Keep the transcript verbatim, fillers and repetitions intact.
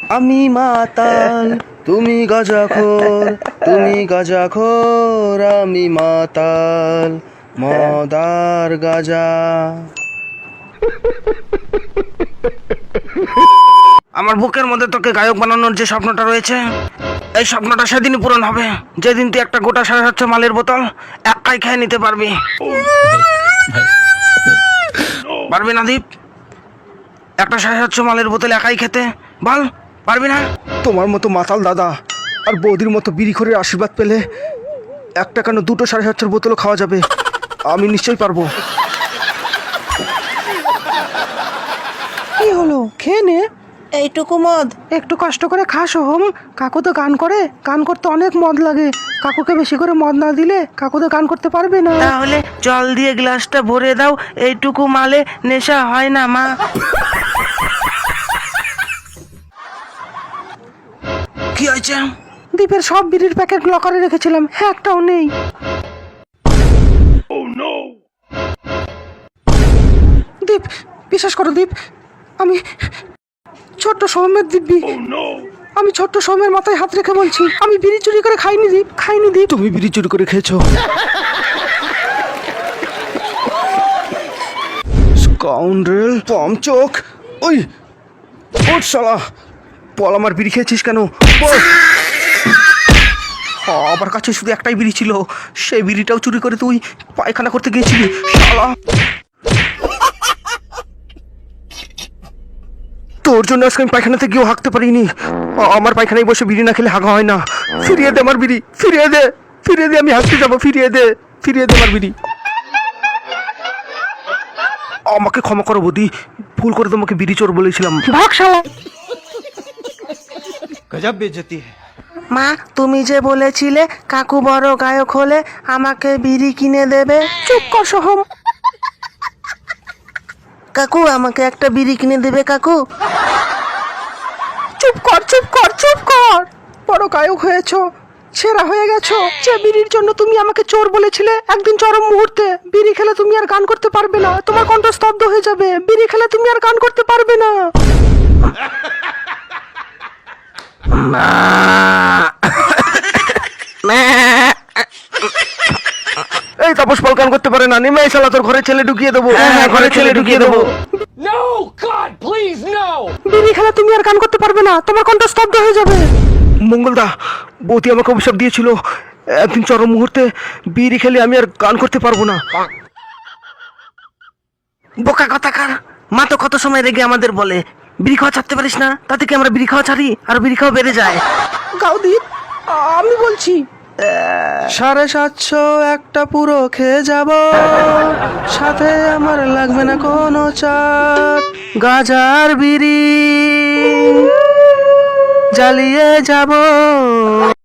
আমি মাতাল তুমি গাঁজাখোর, তুমি গাঁজাখোর আমি মাতাল, মদার গাঁজা। আমার বুকের মধ্যে তোকে গায়ক বানানোর যে স্বপ্নটা রয়েছে, এই স্বপ্নটা সেদিনই পূরণ হবে যেদিন তুই একটা গোটা সাড়ে সাতশো মালের বোতল একাই খেয়ে নিতে পারবি। পারবি না দীপ? একটা সাড়ে সাতশো মালের বোতল একাই খেতে বল, পারবি না? তোমার মতো মাতাল দাদা আর বৌদির মতো বিড়িখোরের আশীর্বাদ পেলে একটা কেন দুটো সাড়ে সাতশোর বোতলও খাওয়া যাবে। আমি নিশ্চয়ই পারবো। কি হলো, খেয়ে নে এইটুকু মদ। একটু কষ্ট করে খা সোহম। কাকু তো গান করে, গান করতে অনেক মদ লাগে। কাকুকে বেশি করে মদ না দিলে কাকু তো গান করতে পারবে না। তাহলে জল দিয়ে গ্লাসটা ভরে দাও, এইটুকু মালে নেশা হয় না মা। কি হয়েছে? দীপের সব বিড়ির প্যাকেট লকারে রেখেছিলাম, হ্যাঁ একটাও নেই। দীপ, বিশ্বাস করো দীপ, আমি ছোট্ট সৌম্যের দিব্যি। আমি ছোট্ট সৌম্যের মাথায় হাত রেখে বলছি, আমি বিড়ি চুরি করে খাইনি দীপ, খাইনি দীপ। তুমি বিড়ি চুরি করে খেয়েছো? স্কাউন্ড্রেল, পামচোক, ওই ওঠ শালা, বল আমার বিড়ি খেয়েছিস কেন বল। আমার কাছে শুধু একটাই বিড়ি ছিল, সেই বিড়িটাও চুরি করে তুই পায়খানা করতে গিয়েছিলি শালা। তোর জন্য আজকে আমি পায়খানাতে গিয়েও হাঁকতে পারিনি। আমার পায়খানায় বসে বিড়ি না খেলে হাগা হয় না। ফিরিয়ে দে আমার বিড়ি, ফিরিয়ে দে, ফিরিয়ে দে, আমি হাঁকতে যাবো, ফিরিয়ে দে, ফিরিয়ে দে আমার বিড়ি। আমাকে ক্ষমা করো বৌদি, ভুল করে তোমাকে বিড়ি চোর বলেছিলাম। ভাগ শালা। গজব বেজতি। মা, তুমি যে বলেছিলে কাকু বড় গায়ক হলে আমাকে বিড়ি কিনে দেবে। চুপ কর সোহম। কাকু আমাকে একটা বিড়ি কিনে দেবে কাকু? চুপ কর, চুপ কর, চুপ কর। বড় গায়ক হয়েছো, সেরা হয়ে গেছো। যে বিড়ির জন্য তুমি আমাকে চোর বলেছিলে, একদিন চরম মুহূর্তে বিড়ি খেলে তুমি আর গান করতে পারবে না, তোমার কণ্ঠ স্তব্ধ হয়ে যাবে। বিড়ি খেলে তুমি আর গান করতে পারবে না। এই তাপস পাল গান করতে পারে না, নেমে এই শালা তোর ঘরে ছেলে ঢুকিয়ে দেবো। হ্যাঁ, ঘরে ছেলে ঢুকিয়ে দেবো। No! God, please, no! বিড়ি খেলে তুমি আর গান করতে পারবে না, তোমার কণ্ঠ স্তব্ধ হয়ে যাবে। মঙ্গলদা, বৌদি আমাকে অভিশাপ দিয়েছিল একদিন চরম মুহূর্তে বিড়ি খেলে আমি আর গান করতে পারবো না। বোকা কথাকার, মা তো কত সময় রেগে আমাদের বলে বিড়ি খাওয়া ছাড়তে পারিস না, তাতে কি আমরা বিড়ি খাওয়া ছাড়ি আর বিড়ি খাওয়া বেড়ে যায়। গাও দীপ, আমি বলছি। সাড়ে সাতশো একটা পুরো খেয়ে যাব, সাথে আমার লাগবে না কোনো চাট, গাজার বিড়ি জ্বালিয়ে যাব।